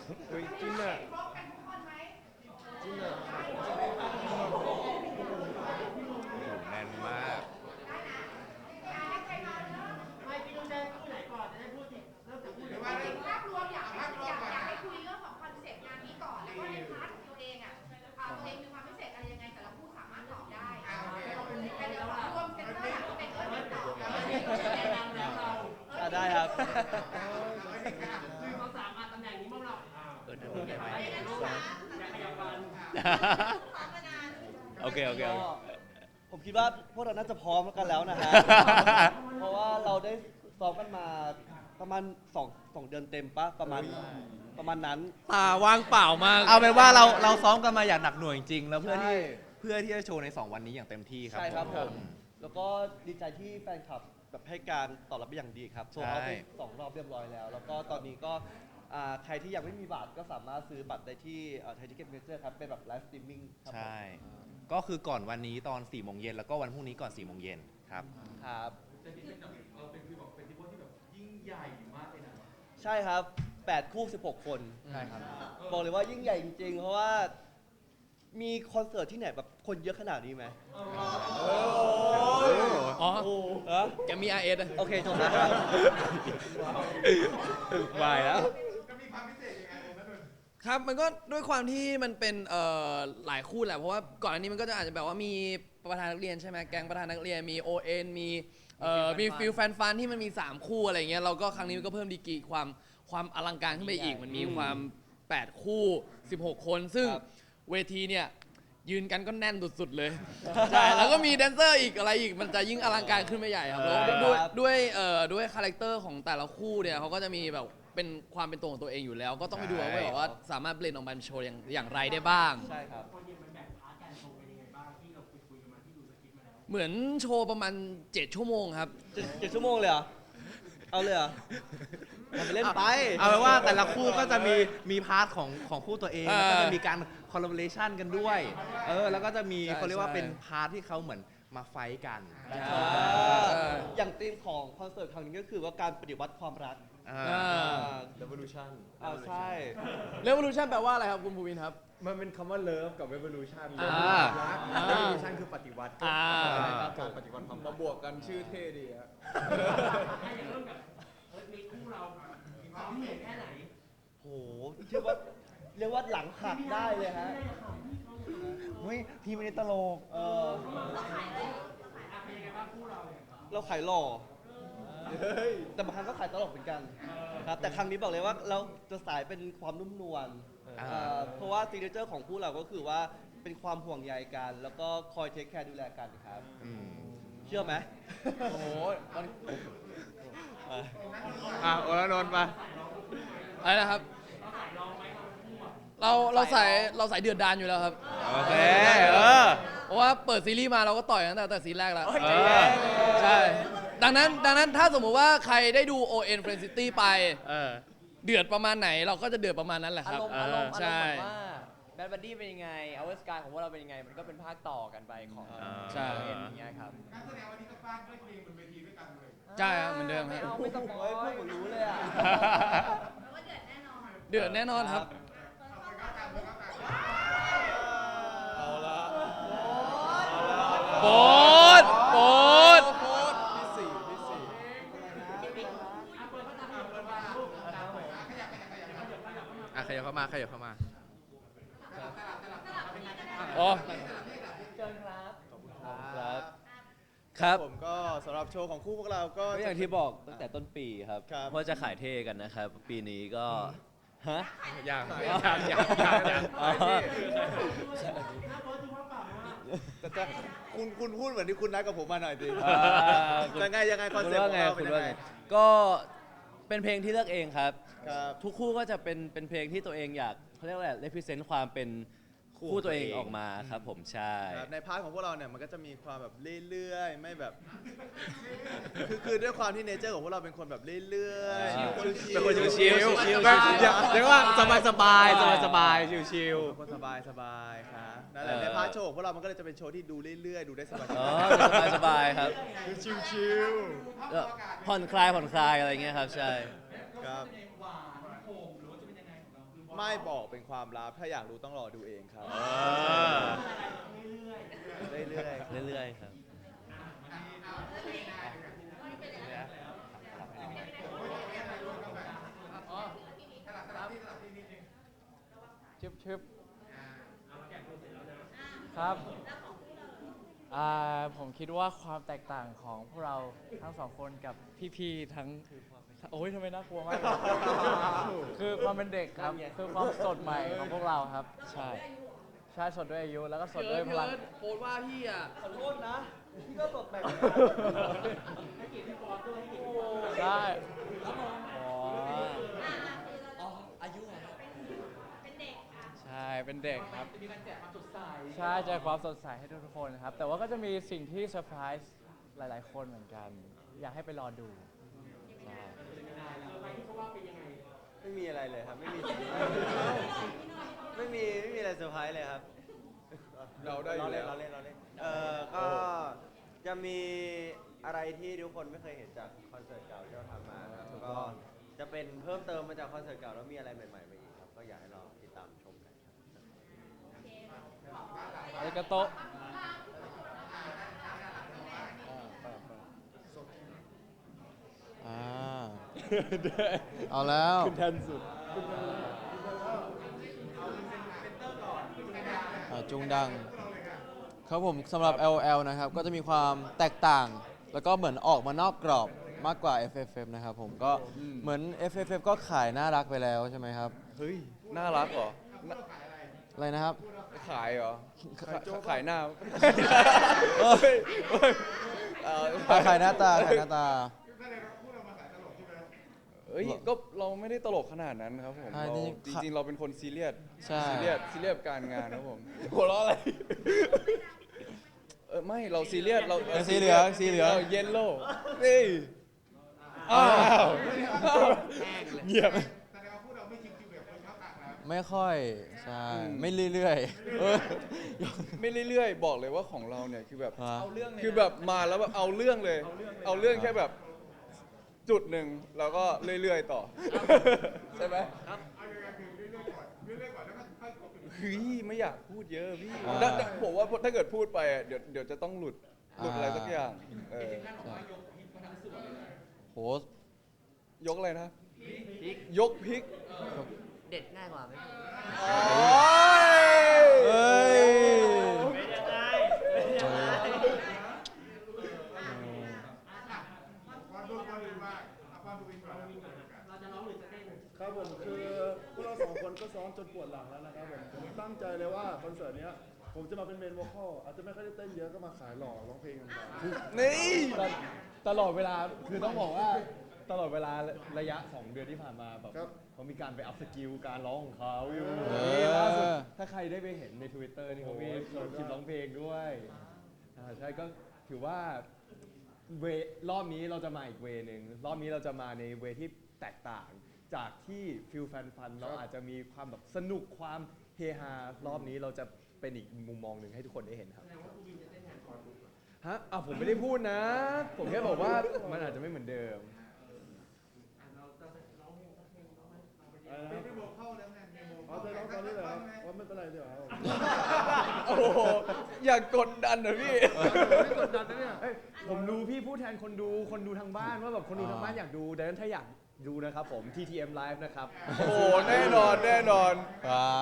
เฮ้ยจริงอ่ะจริงอ่ะแน่นมากไม่พี่ต้องได้คู่ไหนก่อนจะได้พูดถึงเริ่มจากคู่ไหนก่อนภาพรวมอยากให้คุยเรื่องของคอนเซ็ปต์งานนี้ก่อนแล้วก็ในพาร์ทของตัวเองอ่ะตัวเองมีความพิเศษอะไรยังไงแต่ละคู่สามารถตอบได้แต่เดี๋ยวรวมเซ็นเตอร์เป็นตอบได้ครับคือเขาสามารถตำแหน่งนี้มั่งเรานั่นใหญ่ไหมอยากขยับกันโอเคโอเคก็ผมคิดว่าพวกเราน่าจะพร้อมกันแล้วนะฮะ เพราะว่าเราได้ซ้อมกันมาประมาณสองเดือนเต็มปะประมาณนั้นตาว่างเปล่ามากเอาเป็นว่าเราซ้อมกันมาอย่างหนักหน่วงจริงๆแล้วเพื่อใช่ที่จะโชว์ใน 2 วันนี้อย่างเต็มที่ครับใช่ครับผม แล้วก็ดีใจที่แฟนคลับแบบให้การตอบรับเป็นอย่างดีครับโชว์เอาไป2 รอบเรียบร้อยแล้ว แล้วก็ตอนนี้ก็ใครที่ยังไม่มีบัตรก็สามารถซื้อบัตรได้ที่ไทยทิเก็ตเมเจอร์ครับเป็นแบบไลฟ์สตรีมมิ่งครับผมใช่ ก็คือก่อนวันนี้ตอน 4 โมงเย็นแล้วก็วันพรุ่งนี้ก่อน 4 โมงเย็นครับครับจะที่เป็นเราเป็นคือแบบเป็นที่ว่าที่แบบยิ่งใหญ่มากเลยนะใช่ครับ8 คู่ 16 คนใช่ครับบอกเลยว่ายิ่งใหญ่จริงๆ เพราะว่ามีคอนเสิร์ตที่ไหนแบบคนเยอะขนาดนี้ไหมอ๋อโอ้ฮะแกมี RS อะโอเคจบแล้วครับวายแล้วครับมันก็ด้วยความที่มันเป็นหลายคู่แหละเพราะว่าก่อนอันนี้มันก็จะอาจจะแบบว่ามีประธานนักเรียนใช่ไหมแก๊งประธานนักเรียนมี ON มีฟิลแฟนฟันที่มันมี3คู่อะไรเงี้ยเราก็ครั้งนี้มันก็เพิ่มดีกรีความอลังการขึ้นไปอีกมันมีความ8คู่16 คนซึ่งครับเวทีเนี่ยยืนกันก็แน่นสุดๆเลยใช่แล้วก็มีแดนเซอร์อีกอะไรอีกมันจะยิ่งอลังการขึ้นไปใหญ่ครับแล้วด้วยคาแรคเตอร์ของแต่ละคู่เนี่ยเขาก็จะมีแบบเป็นความเป็นตัวของตัวเองอยู่แล้ว ก็ต้องไปดูว่าแบบว่าสามารถเบลนออกมาเป็นโชว์อย่างไรได้บ้างใช่ครับคนยังมันแบ่งพาร์ทการโชว์เป็นยังไงบ้างที่เราคุยกันมาที่ดูสคริปต์มาแล้วเหมือนโชว์ประมาณ7 ชั่วโมงครับ 7 ชั่วโมงเลยเหรอ เอาเลยเหรอทำไปเล่นไปเอาเป็นว่าแต่ละคู่ก็จะมีพาร์ทของคู่ตัวเองเออแล้วก็จะมีการคอลลาบอเรชันกันด้วยแล้วก็จะมีใช่เขาเรียกว่าใช่เป็นพาร์ทที่เขาเหมือนมาไฟท์กันอย่างธีมของคอนเสิร์ตครั้งนี้ก็คือว่าการปฏิวัติความรัก Revolution ใช่ Revolution แปลว่าอะไรครับคุณภูวินครับมันเป็นคำว่า love กับ revolution อ่ารัก revolution คือปฏิวัติอ่าการปฏิวัติความมาบวกกันชื่อเท่ดีฮะให้เริ่มกับมีคู่เราซ้อมเหนื่อยแค่ไหนโหเรียกว่าหลังหักได้เลยฮะเฮ้ยพี่ไม่ได้ตลกเป็นยังไงบ้างคู่เราเนี่ยเราขายหล่อแต่บางครั้งก็ขายตลกเหมือนกันครับ แต่ครั้งนี้บอกเลยว่าเราจะสายเป็นความนุ่มนวลเพราะว่าซิกเนเจอร์ของคู่เราก็คือว่าเป็นความห่วงใยกัน แล้วก็คอยเทคแคร์ดูแลกันครับ เชื่อไหมโอ้โหโอลานนท์มาอะไรนะครับ เราใส่เดือดดานอยู่แล้วครับโอเคเพราะว่าเปิดซีรีส์มาเราก็ต่อยตั้งแต่ซีนแรกแล้วใช่ดังนั้นถ้าสมมุติว่าใครได้ดู ON Friend City ไปเดือดประมาณไหนเราก็จะเดือดประมาณนั้นแหละครับอารมณ์ใช่แบบว่าแบดบัดดี้เป็นยังไงเอาเวอร์สกายของพวกเราเป็นยังไง มันก็เป็นภาคต่อกันไปของใช่เอ็นอย่างเงี้ยครับใช่ครับเหมือนเดิมครับไม่ต้องโอ้ยพวกผมรู้เลยอ่ะเดือดแน่นอนครับเอาละโบดขยับเข้ามาอ๋อครับครับผมก็สำหรับโชว์ของคู่พวกเราก็ก็อย่างที่บอกตั้งแต่ต้นปีครับครับว่าจะขายเท่กันนะครับ ปีนี้ก็ ฮะอย่างแต่คุณพูดเหมือนที่คุณนัดกับผมมาหน่อยดิคุณยังไงคอนเซ็ปต์ของเราเป็นยังไงก็เป็นเพลงที่เลือกเองครับครับทุกคู่ก็จะเป็นเพลงที่ตัวเองอยากเขาเรียกว่าอะไร represent ความเป็นคู่ตัวเองออกมาครับผมใช่ครับในพาร์ทของพวกเราเนี่ยมันก็จะมีความแบบเรื่อยๆไม่แบบ คือด้วยความที่เนเจอร์ของพวกเราเป็นคนแบบเรื่อยๆชิลๆเป็นคนชิลๆชิลๆแบบเรียกว่าสบายชิลเป็นคนสบายๆครับนั่นแหละในพาร์ทโชว์ของพวกเรามันก็เลยจะเป็นโชว์ที่ดูเรื่อยๆดูได้สบายอ๋อสบายๆครับๆชิลผ่อนคลายอะไรเงี้ยครับใช่ๆครับหวานโหมหรือว่าจะเป็นยังไงของเราคือไม่บอกเป็นความลับถ้าอยากรู้ต้องรอดูเองครับเรื่อยๆครับชึบครับผมคิดว่าความแตกต่างของพวกเราทั้งสองคนกับพี่ๆทั้งโอ้ยทำไมน่ากลัวมากเลยคือความเป็นเด็กครับคือความสดใหม่ของพวกเราครับใช่สดด้วยอายุแล้วก็สดด้วยพลังโพสต์ว่าพี่อ่ะขอโทษนะ พี่ก็สดแบบใช่ใช่เป็นเด็กครับใช่แจกความสดใสให้ทุกๆคนครับแต่ว่าก็จะมีสิ่งที่เซอร์ไพรส์หลายๆคนเหมือนกัน อยากให้ไปรอดูใช่ไม่มีอะไรเลยครับ ไม่มีอะไรเซอร์ไพรส์เลยครับเราได้อยู่แล้วเราเล่นก็จะมีอะไรที่ทุกคนไม่เคยเห็นจากคอนเสิร์ตเก่าที่เราทำมาครับก็จะเป็นเพิ่มเติมมาจากคอนเสิร์ตเก่าแล้วมีอะไรใหม่ๆมาอีกครับก็อยากให้เราติดตามชมกันครับอาริกาโตะเอาแล้วขึ้นแทนสุดจุงดัง ครับผมสำหรับ LOL นะครับก็จะมีความแตกต่าง แล้วก็เหมือนออกมานอกกรอบมากกว่า FFF นะครับผมก็เหมือน FFF ก็ขายน่ารักไปแล้วใช่ไหมครับเฮ้ย น่ารักเหรออะไรนะครับขายเหรอ ขายหน้าขายหน้าตาขายหน้าตาเอ้ยก็เราไม่ได้ตลกขนาดนั้นครับผมใช่เราจริงจริงๆเราเป็นคนซีเรียสใช่ซีเรียสกับการงานครับผมหัวเราะอะไรไม่เราซีเรียสเราสีเหลืองสีเหลืองเยลโล่นี่อ้าวเงียบไม่ค่อยใช่ไม่เรื่อยๆไม่เรื่อยๆบอกเลยว่าของเราเนี่ยคือแบบฮะคือแบบมาแล้วแบบเอาเรื่องเลย เอาเรื่องแค่แบบจุดหนึ่งแล้วก็เรื่อยๆต่อใช่ไหมเฮ้ยไม่อยากพูดเยอะพี่ผมว่าถ้าเกิดพูดไปอ่ะเดี๋ยวจะต้องหลุดอะไรสักอย่างโหยกอะไรนะยกพริกเด็ดง่ายกว่าไหมเอ้ยครับผมคือพวกเราสองคนก็ซ้อมจนปวดหลังแล้วนะครับผมตั้งใจเลยว่าคอนเสิร์ตเนี้ยผมจะมาเป็นเมนโวคอลอาจจะไม่ค่อยได้เต้นเยอะก็มาขายหล่อร้องเพลงกันไปนี่ตลอดเวลาคือต้องบอกว่าตลอดเวลาระยะ 2 เดือนที่ผ่านมาแบบครับเขามีการไปอัพสกิลการร้องของเขาอยู่เออนี่ล่าสุดถ้าใครได้ไปเห็นใน Twitter นี่เขามีคลิปร้องเพลงด้วยใช่ก็ถือว่ารอบนี้เราจะมาอีกเวนึงรอบนี้เราจะมาในเวที่แตกต่างจากที่ฟิลแฟนฟันเราอาจจะมีความแบบสนุกความเฮฮารอบนี้เราจะเป็นอีกมุมมองหนึ่งให้ทุกคนได้เห็นครับฮะผมไม่ได้พูดนะ ผมแค่บอกว่ามันอาจจะไม่เหมือนเดิมเอาใจร้องตอนนี้เลยครับว่าไม่เป็นไรเดี๋ยวครับโอ้โหอย่ากกดดันนะพี่ไม่กดดันนะเนี่ยผมรู้พี่พูดแทนคนดูทางบ้านว่าแบบคนดูทางบ้านอยากดูดังนั้นถ้าอยากดูนะครับผม TTM Live นะครับโอ้โหแน่นอนแน่นอนว้าว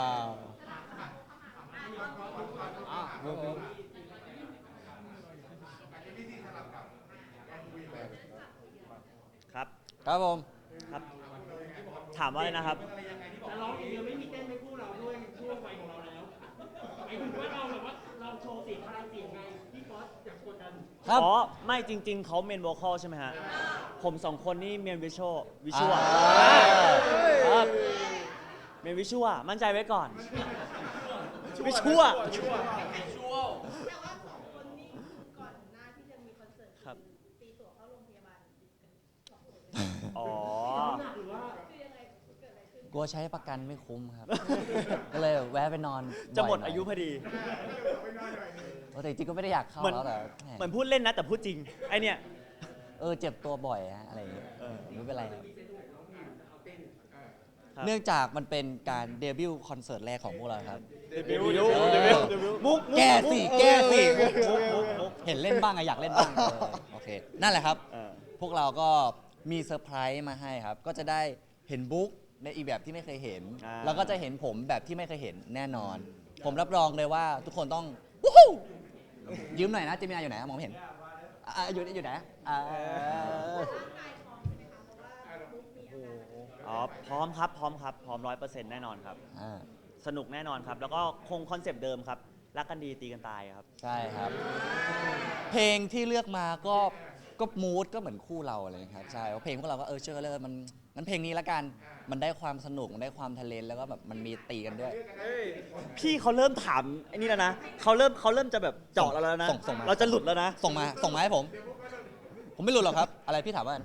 ครับครับผมครับ ถามว่าอะไรนะครับแต่ร้องอย่างเดียวไม่มีเต้นไม่คู่เราด้วยช่วงวัยของเราแล้วไอ้ถึงว่าเราแบบว่าเราโชว์เสียงพลังเสียงไงพี่ฟอสอยากกดดันครับอ๋อ ไม่จริง ๆ เขาเมนโวคอลใช่ไหมฮะ ผมสองคนนี่เมนวิชวลครับเมนวิชวลมั่นใจไว้ก่อน วิชวลแต่ว่าสองคนนี้ก่อนหน้าที่จะมีคอนเสิร์ตครับตีตั๋วเข้าโรงพยาบาลสองคนอ๋อหรือว่าคือยังไงเกิดอะไรขึ้นกลัวใช้ประกันไม่คุ้มครับ ก็เลยแวะไปนอนจะหมดบ่น่อายุพอดีแต่จริงๆก็ไม่ได้อยากเข้าเหมือนแล้วแต่แหเหมือนพูดเล่นนะแต่พูดจริง ไอเนี่ยเจ็บตัวบ่อยฮะอะไรอย่างเงี้ยไม่เป็นไรครับครับเนื่องจากมันเป็นการเดบิวต์คอนเสิร์ตแรกของพวกเราครับเดบิวต์มุกแก้สิแก้สิมุกเห็นเล่นบ้างอะอยากเล่นบ้างโอเค นั่นแหละครับเออพวกเราก็มีเซอร์ไพรส์มาให้ครับ ก็จะได้เห็นบุ๊กในอีกแบบที่ไม่เคยเห็น แล้วก็จะเห็นผมแบบที่ไม่เคยเห็นแน่นอน ผมรับรองเลยว่าทุกคนต้องวู้ฮู้ยืมหน่อยนะเจมินาอยู่ไหนมองไม่เห็นอยู่ไหนอ๋อพร้อมครับพร้อม100%แน่นอนครับ สนุกแน่นอนครับ แล้วก็คงคอนเซปต์เดิมครับ รักกันดีตีกันตายครับใช่ครับ เพลงที่เลือกมาก็มูดก็เหมือนคู่เราอะไรครับใช่เพลงพวกเราก็เชื่อเลยมันเพลงนี้ละกันมันได้ความสนุกมันได้ความทะเลนแล้วก็แบบมันมีตีกันด้วยพี่เขาเริ่มถามไอ้นี่แล้วนะเขาเริ่มจะแบบเจาะเราแล้วนะส่งมาเราจะหลุดแล้วนะส่งมาให้ผมไม่รู้หรอกครับ อะไรพี่ถามว่า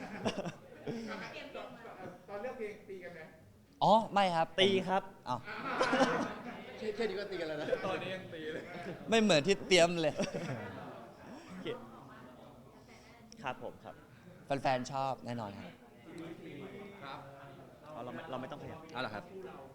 ตอนเลือกเพลงตีกันไหมอ๋อไม่ครับตีครับอ้าวแค่นี้ก็ตีกันแล้วนะตอนนี้ยังตีเลยไม่เหมือนที่เตรียมเลยครับผมครับแฟนๆชอบแน่นอนครับครับอ๋อเราไม่ต้องขยับเอาเหรอครับ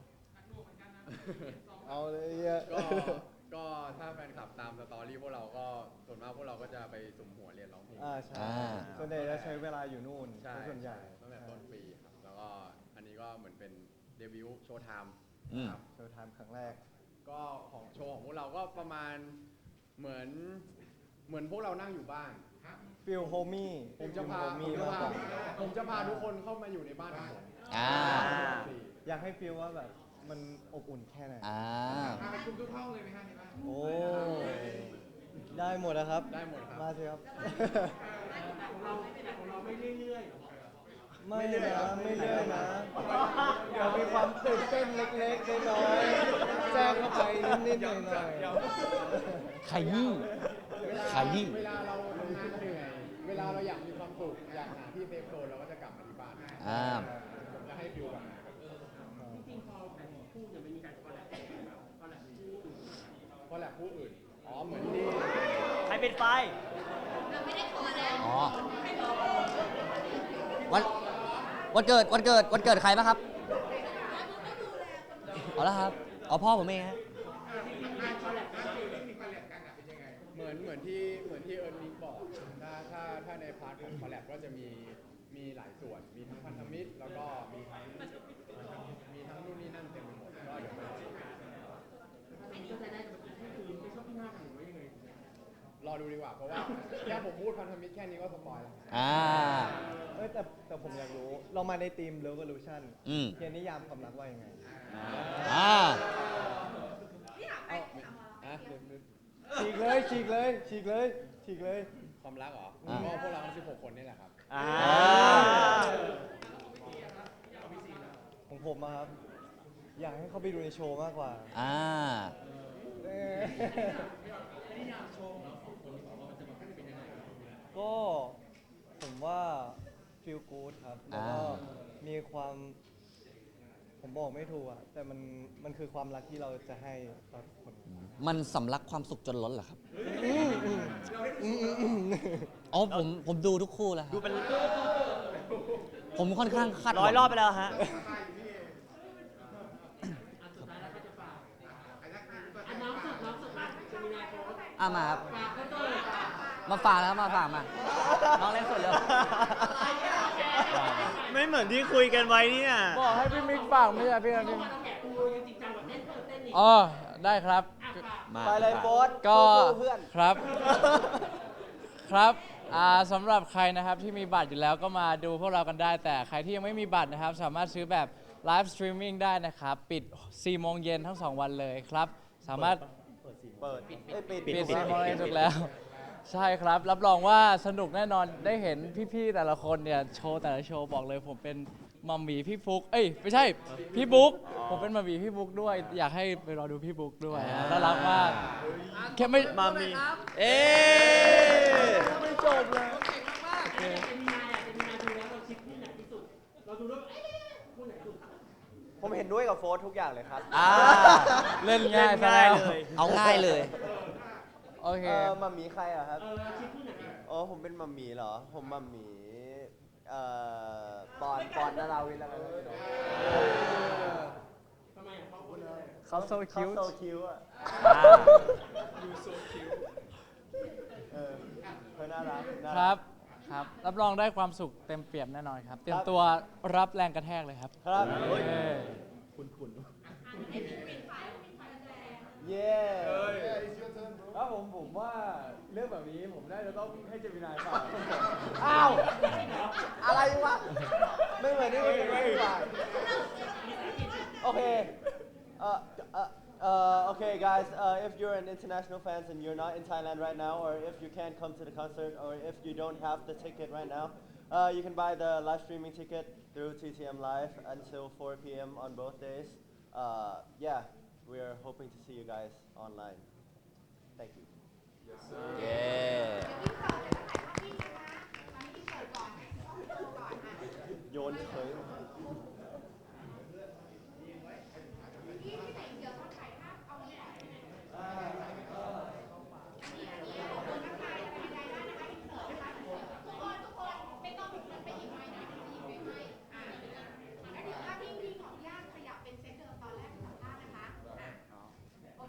เอาเลยอ่ะก็ถ้าแฟนคลับตามสตอรี่พวกเราก็ส่วนมากพวกเราก็จะไปสุ่มหัวเรียนร้องเพลงใช่ส่วนใหญ่จะใช้เวลาอยู่นู่นใช่ส่วนใหญ่ตั้งแต่ต้นปีครับแล้วก็อันนี้ก็เหมือนเป็นเดบิวต์โชว์ไทม์ ครับโชว์ไทม์ครั้งแรกก็ของโชว์ของพวกเราก็ประมาณเหมือนพวกเรานั่งอยู่บ้านฟิลโฮมี่ผมจะพาทุกคนเข้ามาอยู่ในบ้านของผมอยากให้ฟิลว่าแบบมันอบอุ่นแค่ไหนมาคุมทุกห้องเลยไหมฮะในบ้านโอ้ ได้หมดนะครับได้หมดครับมาสิครับของเราไม่เรื่อยไม่นะไม่เลื่อยนะเรามีความตื่นเต้นเล็กๆน้อยๆแทรกเข้าไปนิดๆหน่อยๆขยี้ขยี้เวลาเราทำงานเหนื่อยเวลาเราอยากมีความสุขอยากหาที่เซฟโซนเราก็จะกลับมาที่บ้านผมจะให้ฟิวแบบนั้นๆจริงๆพอแต่คู่เนี่ยมันมีการคอลแลบคู่เพราะแหละผู้อื่นอ๋อเหมือนที่ใครเป็นไฟอ๋อวันเกิดใครป่ะครับเอาละครับเอาพ่อผมเองฮะเหมือนที่เอิร์นนิกบอกถ้าในพาร์ทของคอลแลบก็จะมีหลายส่วนมีทั้งพันธมิตรแล้วก็มีทั้งนู่นนี่นั่นเต็มไปหมดก็เดี๋ยวรอดูดีกว่าเพราะว่าแค่ผมพูดพันธมิตรแค่นี้ก็สปอยล์แล้วแต่ผมอยากรู้ เรามาในทีม Revolution เขียนนิยามความรักว่ายังไง ฉีกเลยความรักเหรอก็พวกเราทั้ง16 คนนี่แหละครับของผมอะครับ อยากให้เขาไปดูในโชว์มากกว่า ก็ผมว่า feel good ครับ แล้วก็มีความ ผมบอกไม่ถูกอะแต่มันคือความรักที่เราจะให้ต่อทุกคนมันสำลักความสุขจนล้นเหรอครับอ๋อผมดูทุกคู่แล้วครับดูเป็นผมค่อนข้างคาดหวัง 100 รอบไปแล้วฮะน้องสุดมาจะมีนายโค้ชมาครับฝากก็ตัวมาฝากแล้วมาน้องเล่นสดเลยไม่เหมือนที่คุยกันไว้เนี่ยบอกให้พี่มิกฝากไม่ใช่พี่นะพี่เราแกะปูจริงจังแบบเต้นนี่อ๋อได้ครับไปเลยโบ๊ทก็เพื่อนครับสำหรับใครนะครับที่มีบัตรอยู่แล้วก็มาดูพวกเรากันได้ แต่ใครที่ยังไม่มีบัตรนะครับ สามารถซื้อแบบไลฟ์สตรีมมิ่งได้นะครับ ปิด 4 โมงเย็นทั้ง 2 วันเลยครับ สามารถ ปิด4 โมงเย็นถูกแล้ว ใช่ครับ รับรองว่าสนุกแน่นอนได้เห็นพี่ๆแต่ละคนเนี่ยโชว์แต่ละโชว์บอกเลยผมเป็นมัมหมี่พี่ฟุกไม่ใช่พี่บุ๊กผมเป็นมัมหมี่พี่บุ๊กด้วย อยากให้ไปรอดูพี่บุ๊กด้วยน่ารักมากแค่ไม่มัมมี่ไม่จบเลยจะมีนายดูแล้วเราคิดคู่ไหนที่สุดเราดูแล้วคู่ไหนสุดผมเห็นด้วยกับโฟร์ทุกอย่างเลยครับเล่นง่ายซะง่ายแล้วเลยเอาง่ายเลยโอเคมัมมี่ใครอะครับคิดคู่ไหนอ๋อ ผมเป็นมัมมี่เหรอ ผมมัมมี่ปอนนาราวินแล้วกันทำไมอ่ะเขาพูดเขาโซคิวเขาโซคิวอ่ะดูโซคิวเธอน่ารักน่าครัรักบ ครับ รับรองได้ความสุขเต็มเปี่ยมแน่นอนครับ เตรียมตัวรับแรงกระแทกเลยครับครับเอ้ยเย้ครับผมว่าเรื่องแบบนี้ผมน่าจะต้องให้เจมินายฝากอ้าว อะไรวะ ไม่เหมือนที่คุณไม่ฝ่ายโอเค okay, guys. If you're an international fans and you're not in Thailand right now, or if you can't come to the concert, or if you don't have the ticket right now, you can buy the live streaming ticket through TTM Live until 4 p.m. on both days. Yeah, we're hoping to see you guys online. Thank you. เย้โยนเฉย